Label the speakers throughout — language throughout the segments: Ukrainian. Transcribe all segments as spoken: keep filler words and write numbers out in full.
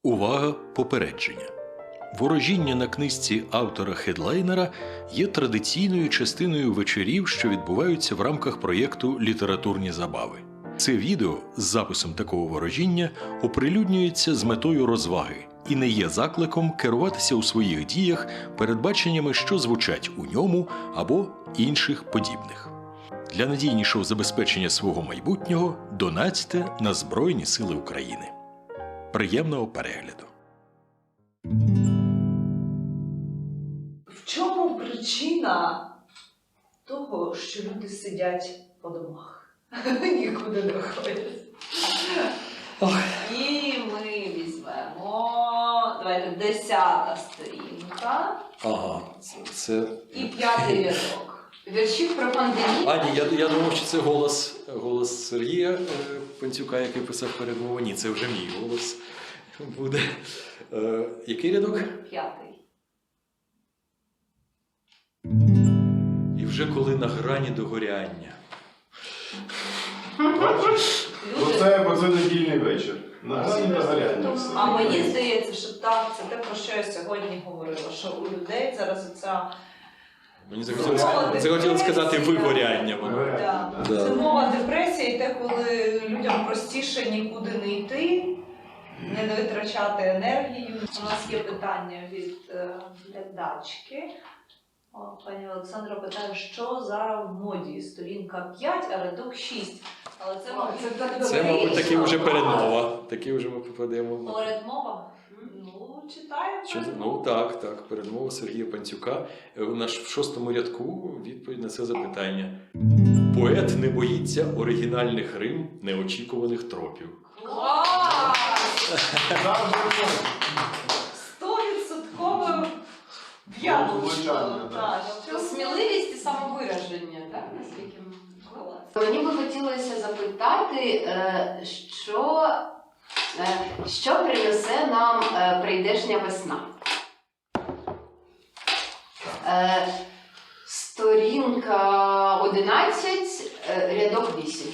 Speaker 1: Увага! Попередження! Ворожіння на книжці автора-хедлайнера є традиційною частиною вечорів, що відбуваються в рамках проєкту «Літературні забави». Це відео з записом такого ворожіння оприлюднюється з метою розваги і не є закликом керуватися у своїх діях передбаченнями, що звучать у ньому або інших подібних. Для надійнішого забезпечення свого майбутнього донатьте на Збройні Сили України. Приємного перегляду!
Speaker 2: В чому причина того, що люди сидять по домах? Нікуди не ходять. І ми візьмемо, давайте, десята сторінка.
Speaker 1: Ага, це... це...
Speaker 2: І п'ятий рядок.
Speaker 3: Віршів про пандемію.
Speaker 1: Ані, я, я думав, що це голос, голос Сергія е, Панцюка, який писав передмову. Ні, це вже мій голос буде. Е, який рядок?
Speaker 2: П'ятий.
Speaker 1: І вже коли на грані догоряння.
Speaker 4: Бо це, бо це недільний вечір. На грані догоряння все.
Speaker 2: А мені здається, що так, це те, про що я сьогодні говорила, що у людей зараз оця
Speaker 1: Мені захотілося, захотілося сказати вигоряння.
Speaker 4: Вигоряння,
Speaker 2: да.
Speaker 4: да.
Speaker 2: Зимова депресія і те, коли людям простіше нікуди не йти, не витрачати енергію. У нас є питання від е, глядачки. О, пані Олександра питає, що зараз в моді? Сторінка п'ять, а рядок шість. Але це,
Speaker 3: О,
Speaker 2: мабуть,
Speaker 3: це так
Speaker 1: Це,
Speaker 3: добре.
Speaker 1: мабуть, таки вже передмова. Таки вже ми попадемо.
Speaker 2: передмова? Ну, читаємо.
Speaker 1: Що, ну так, так, передмова Сергія Панцюка. Е, У нас в шостому рядку відповідь на це запитання. Поет не боїться оригінальних рим, неочікуваних тропів.
Speaker 2: Клас! Стовідсотково п'яточку.
Speaker 4: Влучання, да.
Speaker 3: Це сміливість і самовираження, так? Наскільки
Speaker 2: Клас.
Speaker 3: мені би хотілося запитати, е, що, е, що принесе нам е, прийдешня весна? Е, Сторінка одинадцять, е, рядок вісім.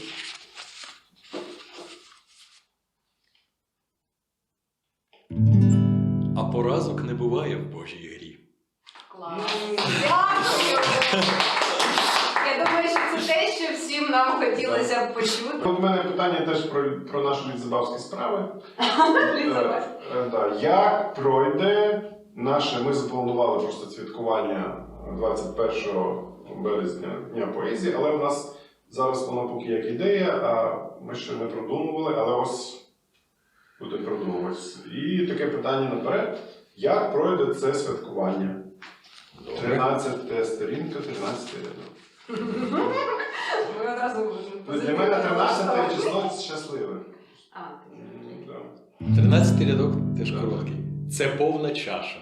Speaker 1: А поразок не буває в Божій грі.
Speaker 3: Клас. Дякую! Я думаю, що це те, що всім нам хотілося б почути.
Speaker 4: От у мене питання теж про, про наші літзабавські справи.
Speaker 2: Лізавець.
Speaker 4: Е, е, да. Як пройде наше, ми запланували просто святкування двадцять першого березня Дня поезії, але в нас зараз воно поки як ідея, а ми ще не продумували, але ось буде продумуватися. І таке питання наперед. Як пройде це святкування? тринадцята сторінка, тринадцятий рядок.
Speaker 3: Ми одразу
Speaker 4: Ну, для мене тринадцяте число щасливе.
Speaker 3: А,
Speaker 4: М, да.
Speaker 1: Тринадцятий рядок теж короткий. Це повна чаша.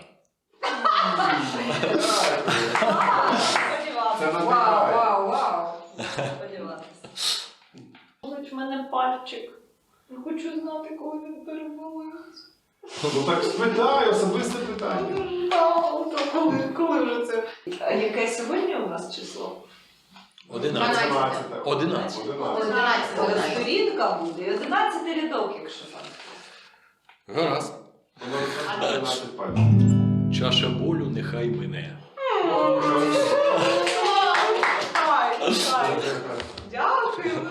Speaker 4: Це
Speaker 2: Сподіватися.
Speaker 3: вау,
Speaker 4: надихає.
Speaker 3: вау, вау.
Speaker 2: Сподіватися. Болить в мене пальчик. Я хочу знати, коли він переболить.
Speaker 4: Ну так спитай, особисте питання.
Speaker 2: Коли, коли вже це? А яке сьогодні у нас число?
Speaker 1: Одинадцять.
Speaker 4: тринадцяте.
Speaker 1: Одинадцять.
Speaker 4: Одинадцяте.
Speaker 3: Одинадцяте.
Speaker 2: Тобто сторінка буде і одинадцятий рядок, якщо так.
Speaker 1: Гаразд.
Speaker 4: Воно тринадцять пальців.
Speaker 1: Чаша болю нехай мине.
Speaker 2: Дякую.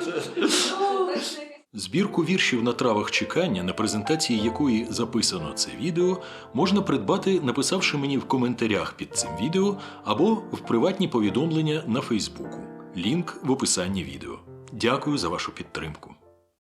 Speaker 1: Збірку віршів на травах чекання, на презентації якої записано це відео, можна придбати, написавши мені в коментарях під цим відео або в приватні повідомлення на Фейсбуку. Лінк в описанні відео. Дякую за вашу підтримку.